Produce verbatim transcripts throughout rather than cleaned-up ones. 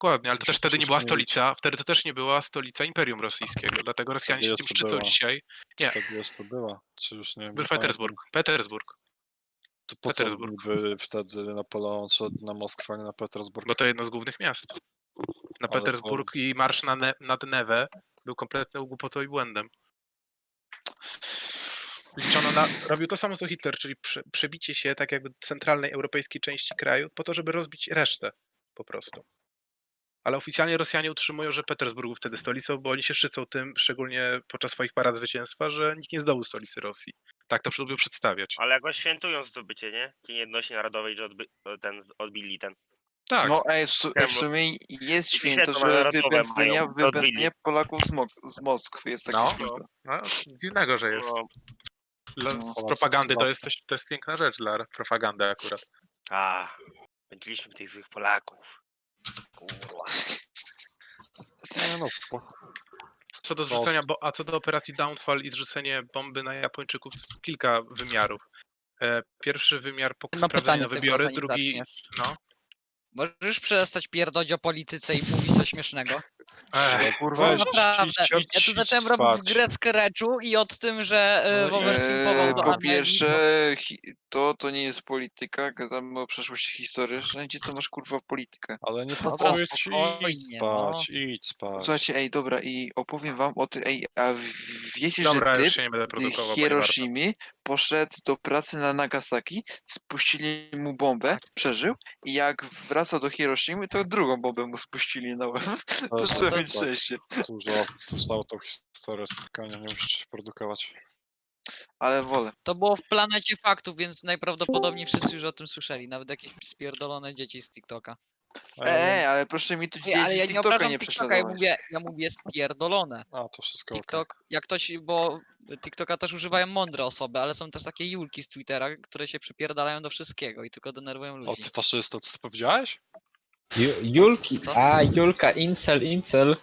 Dokładnie, ale to też wtedy nie była Przypomnieć. stolica, wtedy to też nie była stolica Imperium Rosyjskiego, dlatego Rosjanie się tym jeszcze szczycą była. dzisiaj. Nie, Wtedy jeszcze była. Czy już nie, był nie Petersburg. pamiętam. Petersburg, To po co Petersburg. niby wtedy Napoleon szedł na Moskwę, a nie na Petersburg? Bo to jedno z głównych miast. Na Ale Petersburg to- i marsz na ne nad Newę był kompletną głupotą i błędem. Liczono na, robił to samo co Hitler, czyli prze, przebicie się tak jakby centralnej europejskiej części kraju po to, żeby rozbić resztę po prostu. Ale oficjalnie Rosjanie utrzymują, że Petersburg był wtedy stolicą, bo oni się szczycą tym, szczególnie podczas swoich parad zwycięstwa, że nikt nie zdobył stolicy Rosji. Tak to lubią przedstawiać. Ale jakoś świętują zdobycie, nie? Dzień Jedności Narodowej, że odby ten, odbili ten. Tak, No ej, w, su- ej, w sumie jest święto, że narodowe wypędzenia, mają, to odbili. wypędzenia Polaków z, Mok- z Moskwy jest takie No. święto. no, dziwnego, że jest. No, Dla No, propagandy to racja. jest coś, to jest piękna rzecz dla propagandy akurat. a, pędziliśmy tych złych Polaków. Kurwa. Nie no, po- Co do zrzucenia, bo, a co do operacji Downfall i zrzucenie bomby na Japończyków, to kilka wymiarów. E, pierwszy wymiar po Mam sprawdzeniu pytanie na tylko, wybiory, zanim drugi... zaczniesz. No. Możesz przestać pierdolić o polityce i mówić coś śmiesznego? Ech, Kurwa, No Weź, naprawdę. idź, Ja idź, tu idź zacząłem spać. robić grę z Kereczu i od tym, że No e, i- Wower simpował Eee, do po Ameryki. pierwsze, hi- to to nie jest polityka, gadamy o przeszłości historycznej, gdzie to masz kurwa politykę. Ale nie No pasuje to ci, spokojnie, idź spać, idź spać. Słuchajcie, ej, dobra, i opowiem wam o tym, ej, a w- wiecie, Dobra, że już typ się nie będę z produkował, bo nie warto. Hiroshimy poszedł do pracy na Nagasaki, spuścili mu bombę, przeżył i jak wraca do Hiroshimy, to drugą bombę mu spuścili na łeb. To to trzeba tak. mieć szczęście. Dużo zostało tą historię spokojnie, nie musisz się produkować. Ale wolę. To było w planecie faktów, więc najprawdopodobniej wszyscy już o tym słyszeli. Nawet jakieś spierdolone dzieci z TikToka. A ja Ej, wiem- ale proszę mi tu Ej, dzieci ale ja z nie TikToka obrażam nie TikToka, ja prześladować. mówię, ja mówię spierdolone. A, to wszystko okej. TikTok, jak ktoś, bo TikToka też używają mądre osoby, ale są też takie Julki z Twittera, które się przypierdalają do wszystkiego i tylko denerwują O, ludzi. ty faszysta, co ty powiedziałeś? Ju- Julki, Co? a Julka, incel, incel.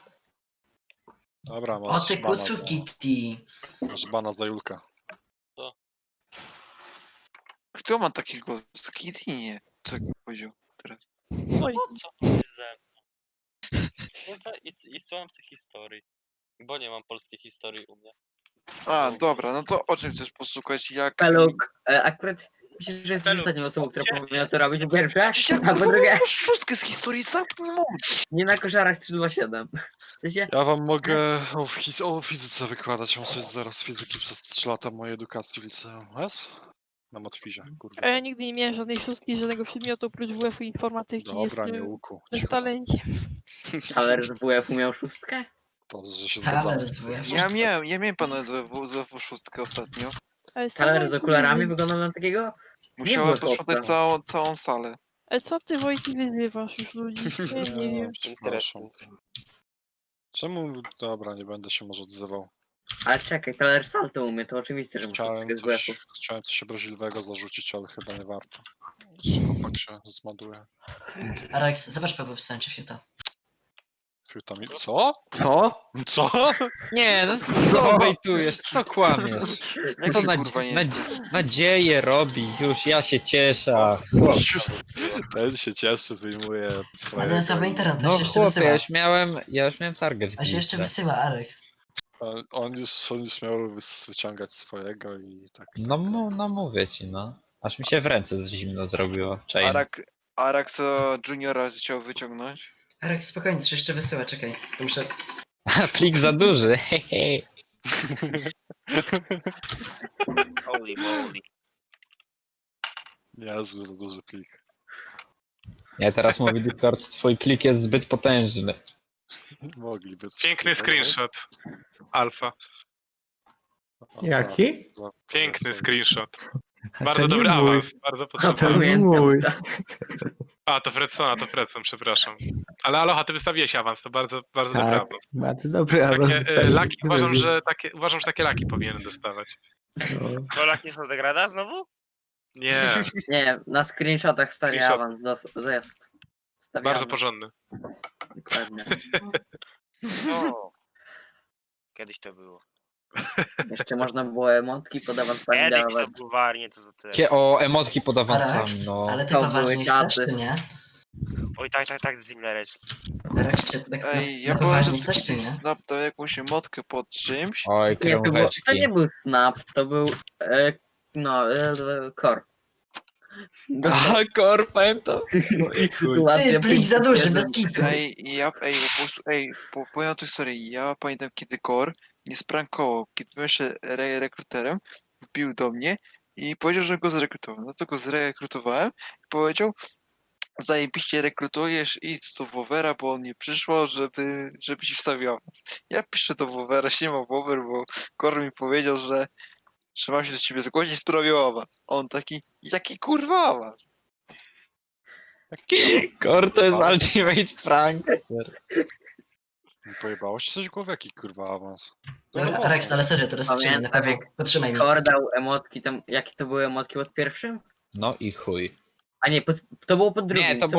Dobra, O masz ty bana, kucu za, Kitty. masz bana za Julka. Kto ma takiego Kitty? Nie. Co powiedział teraz? Oj. Co to jest ze mną? Siedzę i, i słucham sobie historii. Bo nie mam polskiej historii u mnie. A, dobra, no to o czym chcesz posłuchać? Jak... Peluk, e, akurat myślę, że jesteś Peluk, ostatnią osobą, która gdzie- powinna to robić. Po pierwsze, Przecież ja a po kurwa drugie, mam szóstkę z historii, zamknij mordę. nie na koszarach trzy dwa siedem. W sensie, Ja wam mogę o, fiz- o fizyce wykładać, mam coś zaraz fizyki przez trzy lata mojej edukacji w liceum, wiesz? Na matwizie, kurwa. A ja nigdy nie miałem żadnej szóstki, żadnego przedmiotu oprócz W F-u i informatyki. Dobra, nie Jestem łuku. bez Cicho. talencie. ale że W F-u miał szóstkę? To, że się Ale zgadzamy. z W F-u. Ja miałem, ja miałem pana z W F U szóstkę ostatnio. A jestem Kaler z Wojtek okularami Wyzy- wyglądał na takiego? Musiałem było posprzątać chłopca. całą, całą salę. Ale co ty Wojtek wyzywasz już ludzi? Ja nie wiem. Przepraszam. Czemu? Dobra, nie będę się może odzywał. Ale czekaj, Kaler salto umie, to oczywiste, że ma Chciałem szóstkę z W coś, F-u. chciałem coś obraźliwego zarzucić, ale chyba nie warto. Chłopak się zmaduje. Alex, zobacz Paweł w sensie fiuta. Fiutami. Co? Co? Co? Nie, no co bejtujesz, co kłamiesz? Jak Co ty, nadz kurwa nie nadz nadzieję robi, już ja się cieszę. a chłop- Ten się cieszy, wyjmuje swoje. Ale sobie internet, No chłopie, ja już miałem, ja już miałem target. A się jeszcze gdzieś, wysyła, Alex. On już, on już miał wys- wyciągać swojego i tak. No, mu- no mówię ci, no. Aż mi się w ręce z zimno zrobiło. Cześć. Arak, Araksa Juniora chciał wyciągnąć. Alex, spokojnie, to jeszcze wysyła, czekaj. To muszę... Plik za duży, hehe. Holy moly. Niezły, za duży plik. Nie, teraz mówi Discord, twój plik jest zbyt potężny. Mogliby coś Piękny takiego. screenshot. Alfa. O, Jaki? tak, Piękny to- screenshot. A Bardzo to nie dobry mój. awans, bardzo A to potrzebny. nie mój. A, to Fredsona, to Fredson, przepraszam. Ale Aloha, ty wystawiłeś awans, to bardzo, bardzo dobry Tak, awans. bardzo dobry awans. Takie, e, laki, uważam, że takie, uważam, że takie laki powinien dostawać. No. Kolak nie są degrada znowu? Nie, Nie, na screenshotach stary Screenshot. awans dos- jest. Stawiamy. bardzo porządny. Dokładnie. No. Kiedyś to było. Jeszcze można było emotki pod awans Kiedyś to dawać. było warnie, to za tyle. Kie o, emotki pod awansami, no. Ale te były czasy. nie? Oj, tak, tak, tak, Zimlereć. Reszcie tak na, Ej, ja na powiem, poważnie że coś, czy nie? Snap dał jakąś emotkę pod czymś. Oj, Nie, to, było, to krążeczki. nie był snap, to był. E, no, e, e, core. Aha, kor, pamiętam. No i chuj. Sytuacja Ty, plik za duży, bez jeden. kitu. Ej, ja, ej, po prostu, ej, po, powiem tą historię. Ja pamiętam, kiedy Kor nie sprankował, kiedy byłem jeszcze re rekruterem, wbił do mnie i powiedział, że go zrekrutował. No to go zrekrutowałem i powiedział, zajebiście rekrutujesz, idź do Wowera, bo on nie przyszło, żeby, żeby ci wstawił awans. Ja piszę do Wowera, siema Wower, bo Kor mi powiedział, że, że mam się do ciebie zgłosić, sprawił awans. A on taki, jaki kurwa awans? Kor to jest ultimate prankster. Pojebało ci coś w głowie? Jaki kurwa awans? Dobra, Rex, ale serio, teraz trzymaj, na Pamiętam, pewno. Potrzymaj mnie. Core dał emotki tam. Jakie to były emotki pod pierwszym? No i chuj. A nie, pod, to było pod drugim. Nie, to co